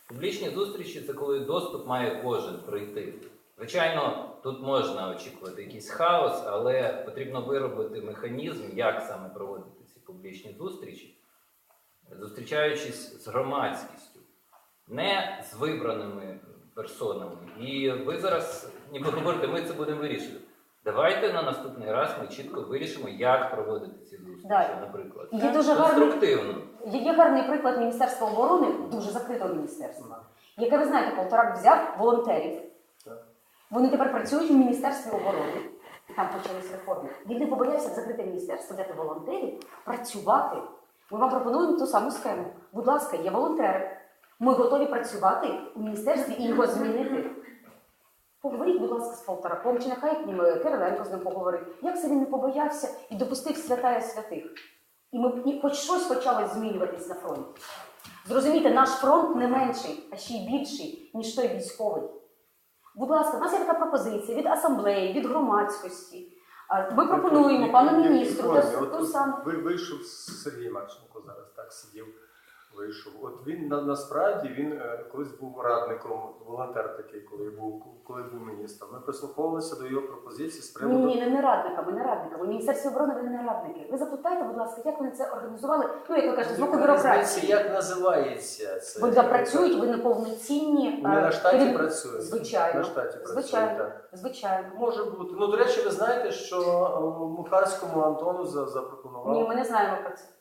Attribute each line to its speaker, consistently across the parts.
Speaker 1: Публічні зустрічі – це коли доступ має кожен пройти. Звичайно, тут можна очікувати якийсь хаос, але потрібно виробити механізм, як саме проводити ці публічні зустрічі, зустрічаючись з громадськістю, не з вибраними персонами. І ви зараз ніби говорите, ми це будемо вирішувати. Давайте на наступний раз ми чітко вирішимо, як проводити ці зустрічі, наприклад.
Speaker 2: Є дуже
Speaker 1: конструктивно.
Speaker 2: Є гарний приклад Міністерства оборони, дуже закритого міністерства, яке, ви знаєте, Полторак взяв волонтерів. Вони тепер працюють у Міністерстві оборони. Там почались реформи. Він не побоявся закрити міністерство, взяти волонтерів, працювати. Ми вам пропонуємо ту саму схему. Будь ласка, є волонтери. Ми готові працювати у міністерстві і його змінити. Поговоріть, будь ласка, з Полтораком, чи нехай Кириленко з ним поговорить. Як це він не побоявся і допустив святая святих? І хоч щось почало змінюватись на фронті. Зрозумійте, наш фронт не менший, а ще й більший, ніж той військовий. Будь ласка, у нас є така пропозиція від асамблеї, від громадськості. Ми пропонуємо пану міністру ту саму.
Speaker 3: Вийшов Сергій Марченко зараз, так сидів, вийшов. От він насправді він колись був радником, волонтер такий, коли був міністром. Ми прислуховувалися до його пропозицій з приводу...
Speaker 2: Ні, не радниками. У Міністерстві оборони вони не радники. Ви запитайте, будь ласка, як вони це організували? Ну, як ви кажете, з боку бюрократії.
Speaker 3: Як називається це?
Speaker 2: Вони працюють, ви неповноцінні.
Speaker 3: Вони на штаті працюють?
Speaker 2: Звичайно.
Speaker 3: На штаті працюють,
Speaker 2: Звичайно.
Speaker 3: Може бути. Ну, до речі, ви знаєте, що Мухарському Антону запропонував...
Speaker 2: Ні, ми не знаємо про це.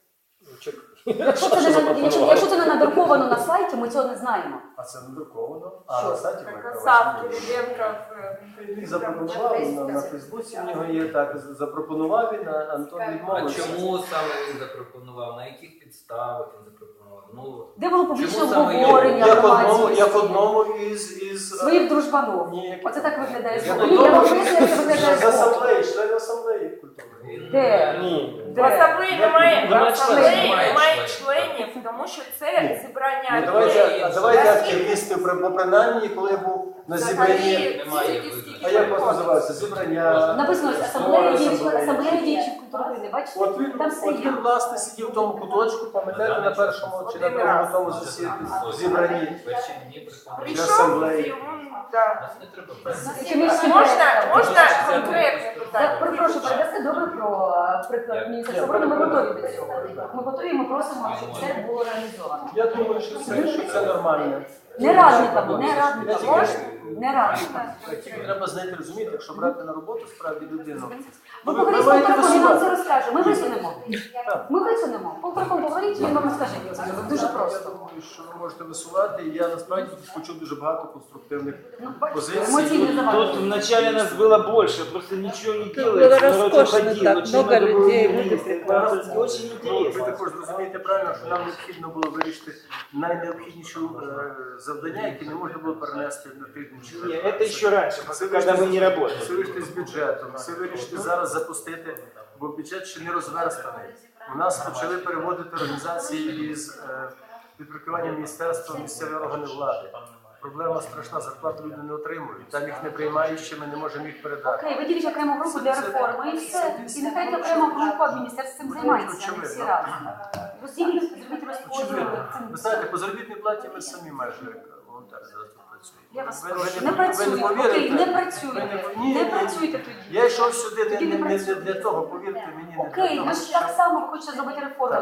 Speaker 3: Якщо
Speaker 2: Якщо це не надруковано на сайті, ми цього не знаємо.
Speaker 3: А це надруковано? А на сайті ми Він запропонував на Фейсбуці, в нього є так, запропонував він, Антон
Speaker 1: А
Speaker 3: відмовився.
Speaker 1: чому саме він запропонував? На яких підставах він запропонував?
Speaker 2: Де було публічне
Speaker 1: чому саме
Speaker 2: обговорення громадськості?
Speaker 3: Як одному із...
Speaker 2: Своїх дружбанов.
Speaker 3: Ні,
Speaker 2: Оце так виглядає.
Speaker 3: Як
Speaker 2: Ні, я вам
Speaker 3: одному
Speaker 2: поясню, як це виглядає.
Speaker 3: з асамблеї, член асамблеї культурної.
Speaker 2: Де?
Speaker 3: Ні.
Speaker 2: Де?
Speaker 4: В асамблеї немає
Speaker 1: членів.
Speaker 4: членів, тому що це зібрання
Speaker 3: Ну, давайте активісти, бо принаймні, коли я був на зібранні...
Speaker 1: Немає
Speaker 3: А як вас називається? Зібрання...
Speaker 2: Написано асамблея діячів культури, бачите?
Speaker 3: От він,
Speaker 2: Там все є.
Speaker 3: власне, сидів в тому куточку, пам'ятаєте, на першому чи на другому тому зібранні
Speaker 1: Перші дні
Speaker 4: прийшов,
Speaker 3: асамблеї.
Speaker 4: йому, да.
Speaker 1: Нас не треба брати.
Speaker 2: Чимось
Speaker 4: Можна конкретне питання?
Speaker 2: Прошу, передасти добре про приклад Міністерства оборони. Ми готові до цього. Ми готові, ми просимо, щоб це було реалізовано.
Speaker 3: Я думаю, що це нормально.
Speaker 2: Не радниками. Не радниками.
Speaker 3: Треба знайти, розуміти, якщо брати на роботу справді людину.
Speaker 2: Ви поговоріть з Полтораком, він вам це розкаже. Ми висунемо. Полтораком поговоріть, він вам розкаже. Дуже просто.
Speaker 3: Думаю, що ви можете висувати. Я насправді почув дуже багато конструктивних позицій.
Speaker 2: Емоційне завантаження.
Speaker 5: Тут вначале нас было больше, просто ничего не делается.
Speaker 6: Было
Speaker 5: народ
Speaker 6: роскошно
Speaker 5: уходил,
Speaker 6: так,
Speaker 5: очень
Speaker 6: много людей,
Speaker 5: было
Speaker 6: люди
Speaker 5: вместе.
Speaker 6: прекрасные.
Speaker 5: Это очень
Speaker 3: Ви
Speaker 5: интересно.
Speaker 3: також розумієте правильно, що нам необхідно було вирішити найнеобхідніші завдання, які не можна було перенести на тиждень чи
Speaker 5: Не,
Speaker 3: два.
Speaker 5: это еще раньше, когда мы не работали.
Speaker 3: Це вирішити з бюджетом, це вирішити зараз запустити, бо бюджет ще не розверстаний. У нас почали переводити організації із підпорядкування міністерства в місцеві органи влади. Проблема страшна, зарплату люди не отримують, там їх не приймають, ще ми не можемо їх передати.
Speaker 2: Окей, виділіть окрему групу для реформи і все. І нехай окрема група міністерства цим займається, а не всі разом. Розділіть, зробіть розподіл.
Speaker 3: Ви знаєте, по заробітній платі ми самі майже волонтери зараз тут працюємо.
Speaker 2: Я вас
Speaker 3: Ви
Speaker 2: прошу,
Speaker 3: не
Speaker 2: не працюйте.
Speaker 3: повірите.
Speaker 2: Окей, не працюйте.
Speaker 3: Ні,
Speaker 2: Не
Speaker 3: ні.
Speaker 2: працюйте тоді.
Speaker 3: Я йшов сюди
Speaker 2: Тоді не
Speaker 3: не
Speaker 2: працюйте.
Speaker 3: для того, повірте мені, не
Speaker 2: Окей,
Speaker 3: для
Speaker 2: ви
Speaker 3: того,
Speaker 2: ж так само хочете зробити реформу.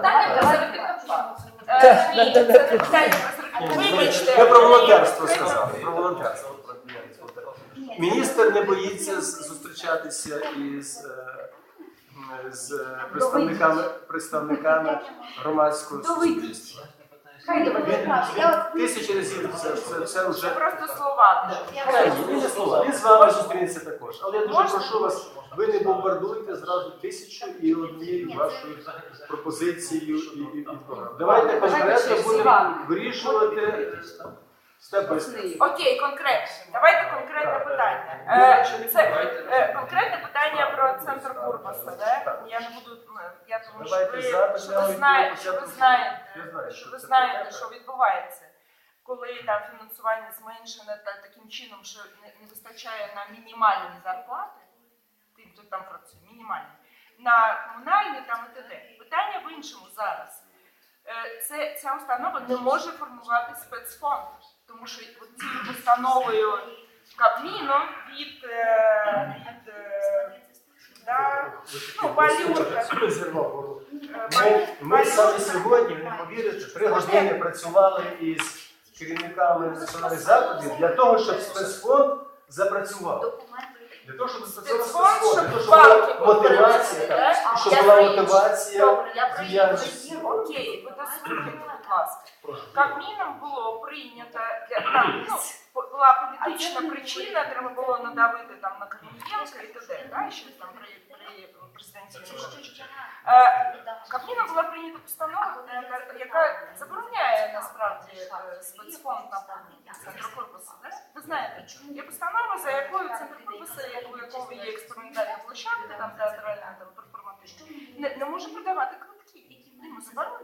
Speaker 4: Вибачте.
Speaker 3: Я про волонтерство сказав. Про волонтерство. Міністр не боїться зустрічатися з представниками громадського суспільства.
Speaker 2: Хай доведеться.
Speaker 3: Він тисячі разів це вже...
Speaker 4: Це просто слова.
Speaker 3: Він не слова. Він з вами зустрінеться також. Але я дуже прошу вас, ви не бомбардуйте зразу 1001 вашою пропозицією і програмою. Давайте конкретно будемо вирішувати степ бай степ.
Speaker 4: Окей, конкретно. Давайте конкретне питання. Це конкретне питання про центр Курбаса, да? Я не буду, я тому що ви знаєте, що відбувається. Коли там фінансування зменшене таким чином, що не вистачає на мінімальні зарплати, тим, хто там працює, мінімальні, на комунальні там і т.д. Питання в іншому зараз. ця установа не може формувати спецфонд, тому що цією постановою Кабміну від Балюрка.
Speaker 3: Ми саме сьогодні, не повірите, 3 години працювали із керівниками національних закладів для того, щоб спецфонд запрацював. Для того, щоб запрацював спецфонд, для того, щоб була мотивація, щоб була мотивація діяльності.
Speaker 4: Окей, ви дослухайте, будь ласка. Кабміном було прийнято, була політична причина, треба було надавити там на Корнієнка і т.д. Ще там при президенті Януковича. Кабміном була прийнята постанова, яка забороняє насправді спецфонд на центру корпусу. Ви знаєте, є постанова, за якою центр корпусу, у якого є експериментальна площадка, там театральна, там перформативна, не може продавати квитки. Йому заборонено.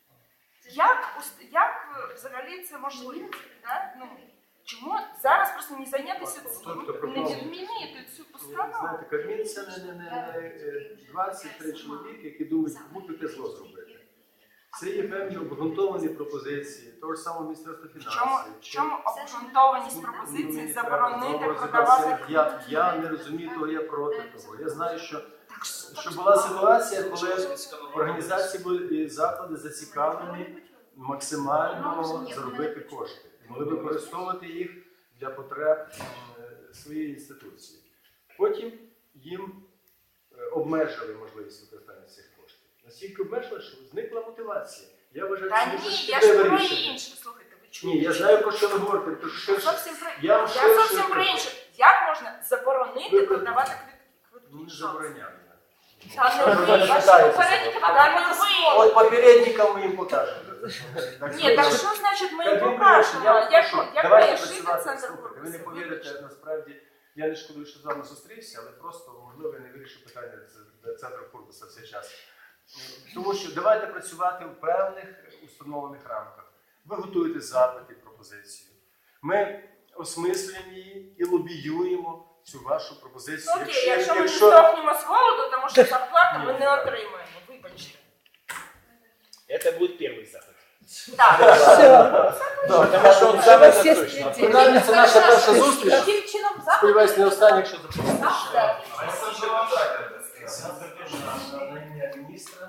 Speaker 4: Як взагалі це можливо? Ну, чому зараз просто не зайнятися цим, не відмінити цю постанову?
Speaker 3: Знаєте, Кабмін це не 23 чоловіки, які думають, кому таке зло зробити. Це є певні обґрунтовані пропозиції, того ж самого Міністерства фінансів.
Speaker 4: В чому обґрунтованість пропозиції заборонити продавати квитки?
Speaker 3: Я не розумію того, я проти того. Я знаю, що була ситуація, коли організації і заклади зацікавлені максимально заробити кошти. І могли використовувати їх для потреб своєї інституції. Потім їм обмежили можливість використання цих коштів. Настільки обмежили, що зникла мотивація. Я вважаю,
Speaker 4: Та
Speaker 3: що
Speaker 4: ні,
Speaker 3: це
Speaker 4: я ж про
Speaker 3: рішення.
Speaker 4: інше. Слухайте, ви чуєте?
Speaker 3: Ні, я знаю, про що ви говорите.
Speaker 4: Я зовсім про інше. Як можна заборонити продавати квитки?
Speaker 3: Ну, не забороняю.
Speaker 4: Та не ви.
Speaker 3: Ваші
Speaker 4: попередники подали
Speaker 3: От попередникам ми їм покажемо.
Speaker 4: Ні, так що значить ми їм
Speaker 3: Кабмін
Speaker 4: покажемо?
Speaker 3: вирішив,
Speaker 4: Як
Speaker 3: давайте
Speaker 4: має жити
Speaker 3: працювати.
Speaker 4: центр
Speaker 3: Слухайте, ви не
Speaker 4: корпусу?
Speaker 3: повірите, насправді, я не шкодую, що з вами зустрівся, але просто, можливо, я не вирішив питання центру корпусу в цей час. Тому що давайте працювати в певних установлених рамках. Ви готуєте запити, пропозицію. Ми осмислюємо її і лобіюємо цю вашу пропозицію.
Speaker 4: Окей, якщо ми не здохнемо з голоду, тому що зарплату ми не отримаємо. Вибачте.
Speaker 5: Это будет первый заход.
Speaker 4: Так.
Speaker 5: Потому что он самый насущный.
Speaker 3: Принаймні, це наша перша зустріч.
Speaker 2: Яким чином заходи?
Speaker 3: Сподіваюсь, не остання, якщо запропонуєте. Міністра.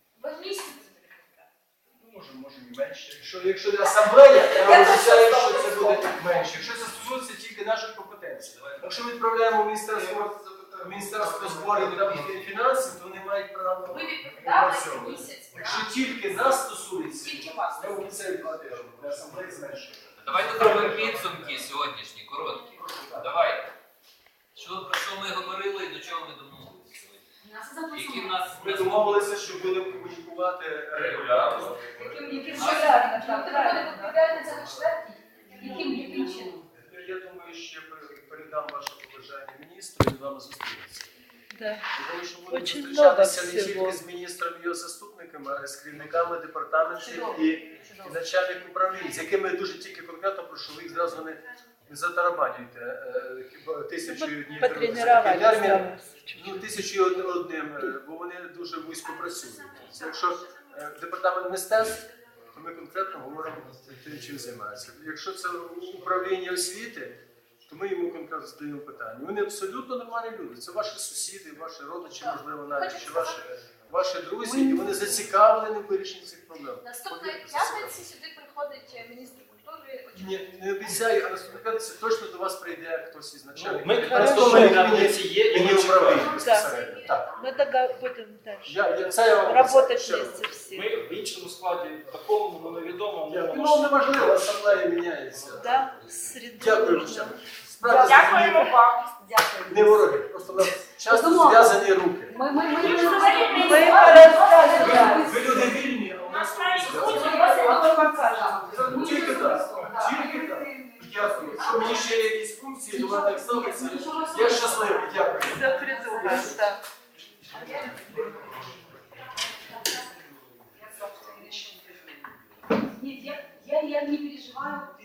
Speaker 3: Може і менше. Якщо не асамблея, я вам обіцяю, що це буде менше. Якщо це стосується тільки нашої компетенції. Якщо ми відправляємо Міністерство зборів та фінансів, то вони мають право опрацьовувати. Якщо тільки нас стосується, я вам обіцяю 2 тижні. Для асамблеї зменшує.
Speaker 1: Давайте зробимо підсумки сьогоднішні, короткі. Давайте. Про що ми говорили і до чого ми домовилися сьогодні? Які в нас
Speaker 3: Ми домовилися, що будемо комунікувати регулярно.
Speaker 2: Яким чином?
Speaker 3: Я думаю, що я передам ваше побажання міністру і з вами зустрінемося.
Speaker 6: Да.
Speaker 3: Тому що будемо
Speaker 6: Очень
Speaker 3: зустрічатися
Speaker 6: много
Speaker 3: не
Speaker 6: всего.
Speaker 3: тільки з міністром і його заступниками, а й з керівниками департаментів і начальник управлінь, з якими я дуже тільки конкретно прошу, ви їх зразу не затарабанюйте. Хіба 1000 днів
Speaker 6: Потренировались.
Speaker 3: термін,
Speaker 6: Да.
Speaker 3: 1001, бо вони дуже вузько працюють. Це якщо департамент мистецтв, то ми конкретно говоримо тим, чим займається. Якщо це управління освіти, то ми йому конкретно задаємо питання. Вони абсолютно нормальні люди. Це ваші сусіди, ваші родичі, можливо, навіть чи ваші друзі, і вони зацікавлені в вирішенні цих проблем.
Speaker 7: Наступної п'ятниці сюди приходить міністр культури.
Speaker 3: Не обіцяю, а наступної п'ятниці точно до вас прийде хтось із начальників.
Speaker 5: Ми
Speaker 3: Просто
Speaker 5: на
Speaker 3: мені
Speaker 5: п'ятниці є і
Speaker 3: не
Speaker 5: ми
Speaker 3: управління
Speaker 5: чекаємо.
Speaker 3: безпосередньо. Так.
Speaker 6: Мы будем дальше
Speaker 3: Це я вам
Speaker 6: работать
Speaker 3: обіцяю.
Speaker 6: вместе все.
Speaker 5: Ми в іншому складі, такому невідомому.
Speaker 3: Ну, неважливо, асамблея міняється.
Speaker 6: Да, среду
Speaker 3: Дякую.
Speaker 6: нужно.
Speaker 3: Справді,
Speaker 4: Дякуємо вам.
Speaker 3: не вороги, просто у нас часто зв'язані руки.
Speaker 2: Ми
Speaker 3: Ви люди вільні, а у нас тільки так. Тільки так. Дякую. Що мені ще є якісь функції, до мене так ставиться. Я щасливий, дякую.
Speaker 6: За придумать, да.
Speaker 2: Нет, я не переживаю.